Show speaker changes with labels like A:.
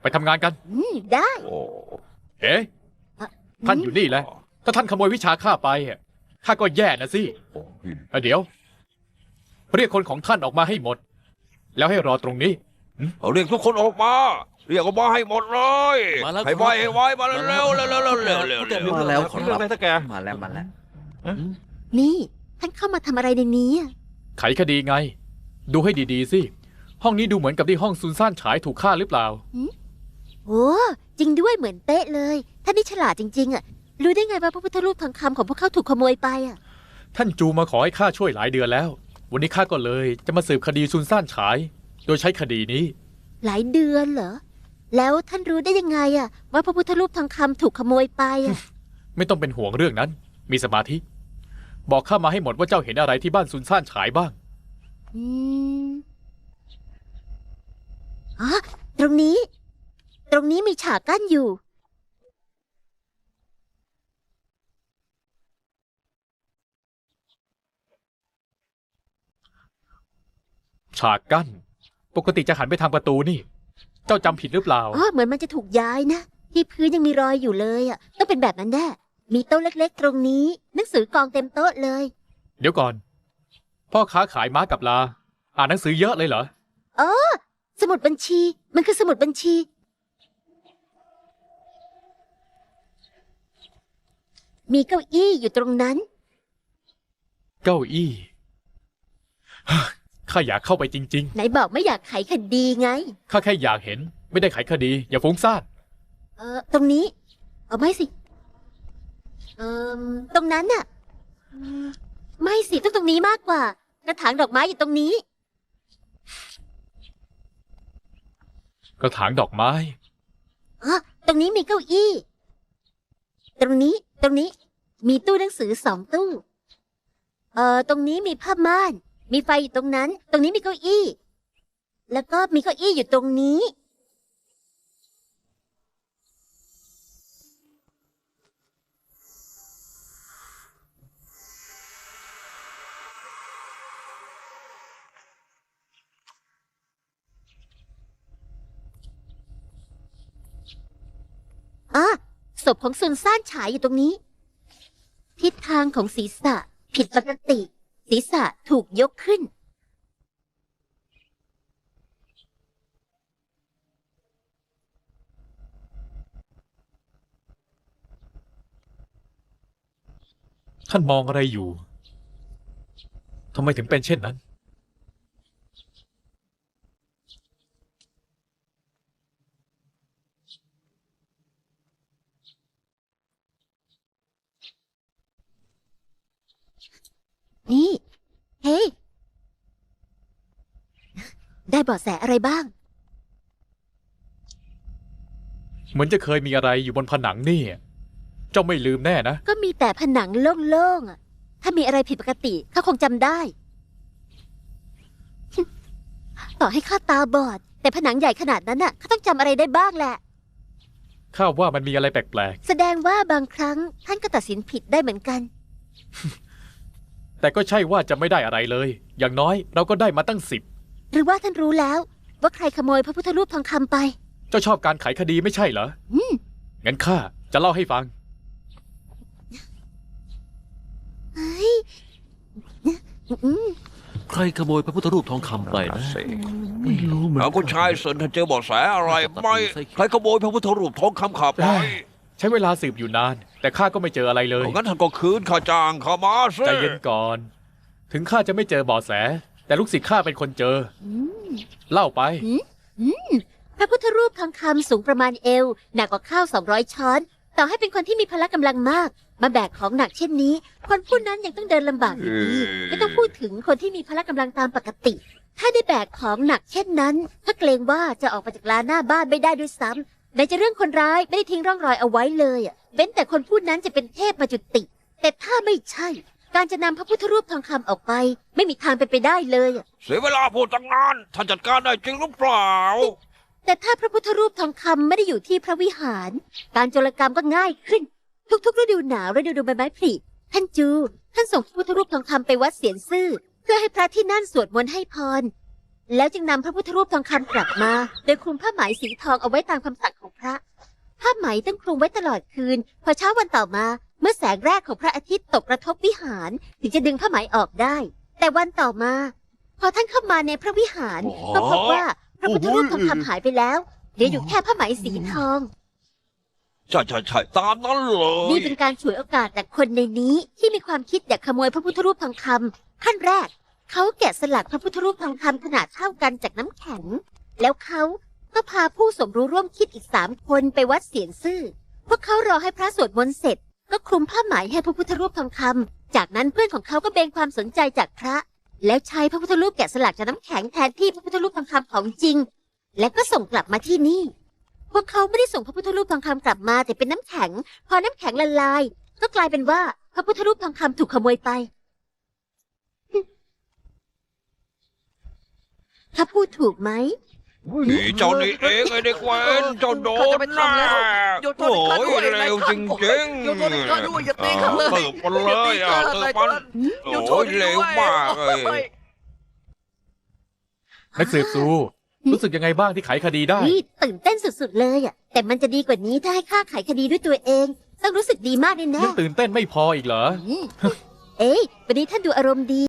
A: ไปทำงานกัน
B: ได้
C: โอ้
A: เอ๊ะท่านอยู่นี่แหละถ้าท่านขโมยวิชาข้าไปข้าก็แย่นะสิเดี๋ยวเรียกคนของท่านออกมาให้หมด แล้วให้รอตรงนี้
C: เอาเรียกทุกคนออกมาเรียกออกมาให้หมดเลยให้ไวให้ไวมาเร็วเร็วเร็วเร็วเร็วเร็วเร็ว
D: มาแล้วขอ
C: เรื่อง
D: รับ
C: อะไรท่าแก
D: มาแล้วมาแล้ว
B: นี่ท่านเข้ามาทำอะไรในนี้อะ
A: ไขคดีไง ดูให้ดีๆสิห้องนี้ดูเหมือนกับที่ห้องซุนซ่านฉายถูกฆ่าหรือเปล่า
B: โอ้จริงด้วยเหมือนเป๊ะเลยท่านนี่ฉลาดจริงๆอ่ะรู้ได้ไงว่าพระพุทธรูปทองคำของพวกเขาถูกขโมยไปอ่ะ
A: ท่านจูมาขอให้ข้าช่วยหลายเดือนแล้ว วันนี้ข้าก็เลยจะมาสืบคดีซุนซ่านฉาย โดยใช้คดีนี้
B: หลายเดือนเหรอแล้วท่านรู้ได้ยังไงอ่ะว่าพระพุทธรูปทองคำถูกขโมยไปอ่ะ
A: ไม่ต้องเป็นห่วงเรื่องนั้น มีสมาธิ บอกข้ามาให้หมดว่าเจ้าเห็นอะไรที่บ้านซุนซ่านฉายบ้าง
B: อืมอ๋อตรงนี้มีฉากกั้นอยู่
A: ฉากกั้น ปกติจะหันไปทางประตูนี่ เจ้าจำผิดหรือเปล่า
B: อ๋อเหมือนมันจะถูกย้ายนะที่พื้นยังมีรอยอยู่เลยอ่ะต้องเป็นแบบนั้นแน่มีโต๊ะเล็กๆตรงนี้หนังสือกองเต็มโต๊ะเลย
A: เดี๋ยวก่อน พ่อค้าขายม้ากับลา อ่านหนังสือเยอะเลยเหรอ
B: สมุดบัญชีมันคือสมุดบัญชี มีเก้าอี้อยู่ตรงนั้น
A: เก้าอี้ ข้าอยากเข้าไปจริง
B: ไหนบอกไม่อยากไขคดีไง
A: ๆ ข้าแค่อยากเห็น ไม่ได้ไขคดี อย่าฟุ้งซ่าน
B: ตรงนี้เอาไม่สิตรงนั้นน่ะไม่สิต้องตรงนี้มากกว่ากระถางดอกไม้อยู่ตรงนี้
A: กระถางดอกไม้
B: ตรงนี้มีเก้าอี้ ตรงนี้ มีตู้หนังสือ2 ตู้ ตรงนี้มีผ้าม่าน มีไฟอยู่ตรงนั้น ตรงนี้มีเก้าอี้ แล้วก็มีเก้าอี้อยู่ตรงนี้ ศพของซุนซ่านฉายอยู่ตรงนี้ ทิศทางของศีรษะผิดปกติ ศีรษะถูกยกขึ้น
A: ท่านมองอะไรอยู่ ทำไมถึงเป็นเช่นนั้น
B: นี่ เฮ้ย ได้เบาะแสอะไรบ้าง
A: เหมือนจะเคยมีอะไรอยู่บนผนังนี่ เจ้าไม่ลืมแน่นะ
B: ก็มีแต่ผนังโล่งๆอ่ะ ถ้ามีอะไรผิดปกติข้าคงจำได้ ต่อให้ข้าตาบอด แต่ผนังใหญ่ขนาดนั้นน่ะข้าต้องจำอะไรได้บ้างแหละ
A: ข้าว่ามันมีอะไรแปลก
B: แสดงว่าบางครั้งท่านก็ตัดสินผิดได้เหมือนกัน
A: ๆ แต่ก็ใช่ว่าจะไม่ได้อะไรเลย อย่างน้อยเราก็ได้มาตั้ง10
B: หรือว่าท่านรู้แล้ว ว่าใครขโมยพระพุทธรูปทองคำไป
A: เจ้าชอบการไขคดีไม่ใช่เหรอ งั้นข้าจะเล่าให้ฟัง
D: ใครขโมยพระพุทธรูปทองคำไปนะ
C: สิ
D: ไม่รู้เหมือน
C: เอาคุณชายเซินท่านเจอเบาะแสอะไรไหมใครขโมยพระพุทธรูปทองคำขับไป
A: ใช้เวลาสืบอยู่นาน แต่ข้าก็ไม่เจออะไรเลย
C: งั้นท่านก็คืนข้าจ้างข้ามาสิ
A: ใจเย็นก่อน ถึงข้าจะไม่เจอเบาะแส แต่ลูกศิษย์ข้าเป็นคนเจอ เล่าไป
B: พระพุทธรูปทองคำสูงประมาณเอวหนักกว่าข้าว200 ช้อน ต่อให้เป็นคนที่มีพละกำลังมาก มาแบกของหนักเช่นนี้ คนผู้นั้นยังต้องเดินลำบากอยู่ดีไม่ต้องพูดถึงคนที่มีพละกำลังตามปกติ ถ้าได้แบกของหนักเช่นนั้นถ้าเกรงว่าจะออกมาจากลานหน้าบ้านไม่ได้ด้วยซ้ำไหนจะเรื่องคนร้ายไม่ได้ทิ้งร่องรอยเอาไว้เลยเว้นแต่คนผู้นั้นจะเป็นเทพมาจุติ แต่ถ้าไม่ใช่ การจะนำพระพุทธรูปทองคำออกไป ไม่มีทางเป็นไปได้เลย
C: เสียเวลาพูดตั้งนานท่านจัดการได้จริงหรือเปล่า
B: แต่ถ้าพระพุทธรูปทองคำไม่ได้อยู่ที่พระวิหาร การโจรกรรมก็ง่ายขึ้น ทุกๆฤดูหนาวฤดูใบไม้ผลิท่านท่านส่งพระพุทธรูปทองคำไปวัดเสียนซื่อเพื่อให้พระที่นั่นสวดมนต์ให้พรแล้วจึงนำพระพุทธรูปทองคำกลับมา โดยคลุมผ้าไหมสีทองเอาไว้ตามคำสั่งของพระ ผ้าไหมต้องคลุมไว้ตลอดคืน พอเช้าวันต่อมา เมื่อแสงแรกของพระอาทิตย์ตกกระทบวิหารถึงจะดึงผ้าไหมออกได้ แต่วันต่อมา พอท่านเข้ามาในพระวิหารก็พบว่าพระพุทธรูปทองคำหายไปแล้วเหลืออยู่แค่ผ้าไหมสีทอง
C: ใช่ตามนั้นเลย
B: นี่เป็นการฉวยโอกาสจากคนในนี้ที่มีความคิดอยากขโมยพระพุทธรูปทองคำขั้นแรก เขาแกะสลักพระพุทธรูปทองคำขนาดเท่ากันจากน้ำแข็ง แล้วเขาก็พาผู้สมรู้ร่วมคิดอีก3 คนไปวัดเสียนซื่อพวกเขารอให้พระสวดมนต์เสร็จ ก็คลุมผ้าไหมให้พระพุทธรูปทองคำจากนั้นเพื่อนของเขาก็เบนความสนใจจากพระ แล้วใช้พระพุทธรูปแกะสลักจากน้ำแข็งแทนที่พระพุทธรูปทองคำของจริง และก็ส่งกลับมาที่นี่ พวกเขาไม่ได้ส่งพระพุทธรูปทองคำกลับมาแต่เป็นน้ำแข็ง พอน้ำแข็งละลาย ก็กลายเป็นว่าพระพุทธรูปทองคำถูกขโมยไป ถ้าพูดถูกไหม
C: นี่เจ้านี่เองไอ้เด็กเวนเจ้าโดนแน่โอ้ยเร็วจริงๆ
D: โยนตัวนี้ก็ด้วยอย่าตีข้าเลย
C: เติบมันเลยอ่ะเติบมันโอ้ยเร็วมากเลย
A: นักสืบซูรู้สึกยังไงบ้างที่ไขคดีได้
B: นี่ตื่นเต้นสุดๆเลยอ่ะ แต่มันจะดีกว่านี้ถ้าให้ข้าไขคดีด้วยตัวเอง ต้องรู้สึกดีมากแน่
A: ยังตื่นเต้นไม่พออีกเหรอ
B: ๆเอ้ยวันนี้ท่านดูอารมณ์ดี